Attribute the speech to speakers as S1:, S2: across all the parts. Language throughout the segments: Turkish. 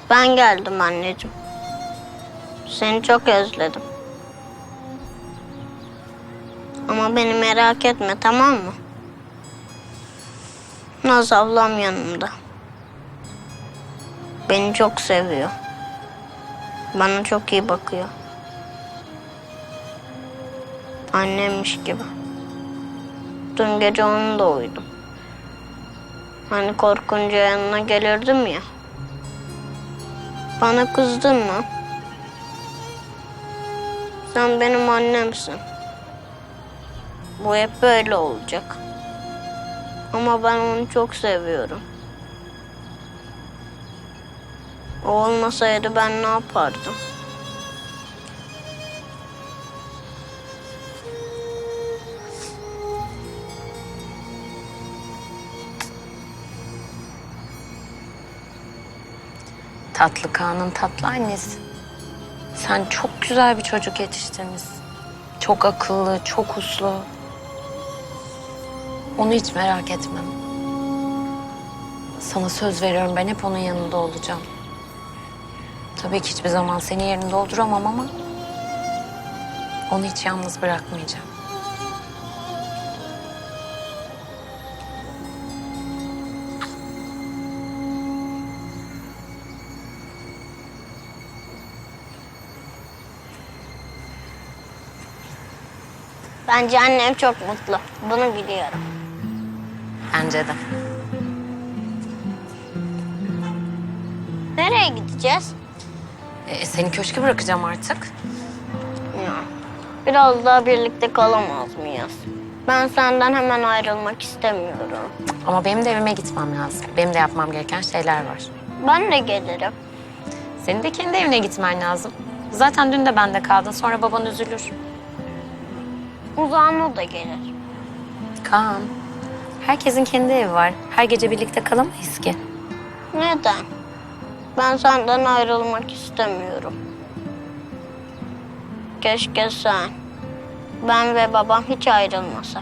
S1: Ben geldim anneciğim. Seni çok özledim. Ama beni merak etme, tamam mı? Naz ablam yanımda. Beni çok seviyor. Bana çok iyi bakıyor. Annemmiş gibi. Dün gece onunla uyudum. Hani korkunca yanına gelirdim ya. Bana kızdın mı? Sen benim annemsin. Bu hep böyle olacak. Ama ben onu çok seviyorum. O olmasaydı ben ne yapardım?
S2: Tatlı Kaan'ın tatlı annesi. Sen çok güzel bir çocuk yetiştirmişsin. Çok akıllı, çok uslu. Onu hiç merak etmem. Sana söz veriyorum, ben hep onun yanında olacağım. Tabii ki hiçbir zaman senin yerini dolduramam ama onu hiç yalnız bırakmayacağım.
S1: Bence annem çok mutlu. Bunu biliyorum.
S2: Bence de.
S1: Nereye gideceğiz?
S2: Seni köşke bırakacağım artık.
S1: Ya, biraz daha birlikte kalamaz mıyız? Ben senden hemen ayrılmak istemiyorum.
S2: Ama benim de evime gitmem lazım. Benim de yapmam gereken şeyler var.
S1: Ben de gelirim.
S2: Senin de kendi evine gitmen lazım. Zaten dün de bende kaldın. Sonra baban üzülür.
S1: Uzan o da gelir.
S2: Kaan, herkesin kendi evi var. Her gece birlikte kalamayız ki.
S1: Neden? Ben senden ayrılmak istemiyorum. Keşke sen, ben ve babam hiç ayrılmasak.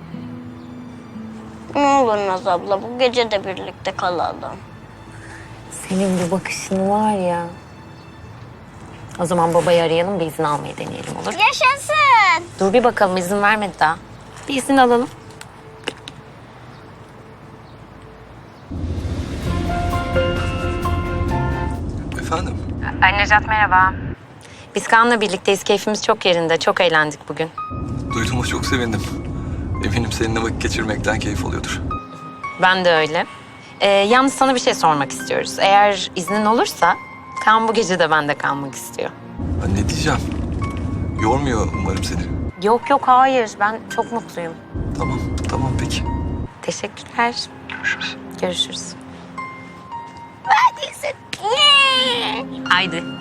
S1: Ne olur Naz abla, bu gece de birlikte kalalım.
S2: Senin bu bakışın var ya. O zaman babayı arayalım, bir izin almayı deneyelim, olur?
S1: Yaşasın!
S2: Dur bir bakalım, izin vermedi daha. Bir izin alalım.
S3: Efendim?
S2: Ay Necat, merhaba. Biz Kaan'la birlikteyiz. Keyfimiz çok yerinde. Çok eğlendik bugün.
S3: Duyduğuma çok sevindim. Eminim seninle vakit geçirmekten keyif alıyordur.
S2: Ben de öyle. Yalnız sana bir şey sormak istiyoruz. Eğer iznin olursa Kaan bu gece de bende kalmak istiyor.
S3: Ben ne diyeceğim? Yormuyor umarım seni.
S2: Yok yok, hayır. Ben çok mutluyum.
S3: Tamam, tamam peki.
S2: Teşekkürler.
S3: Görüşürüz.
S2: Görüşürüz.
S1: Neredesin? Yeah!
S2: Haydi.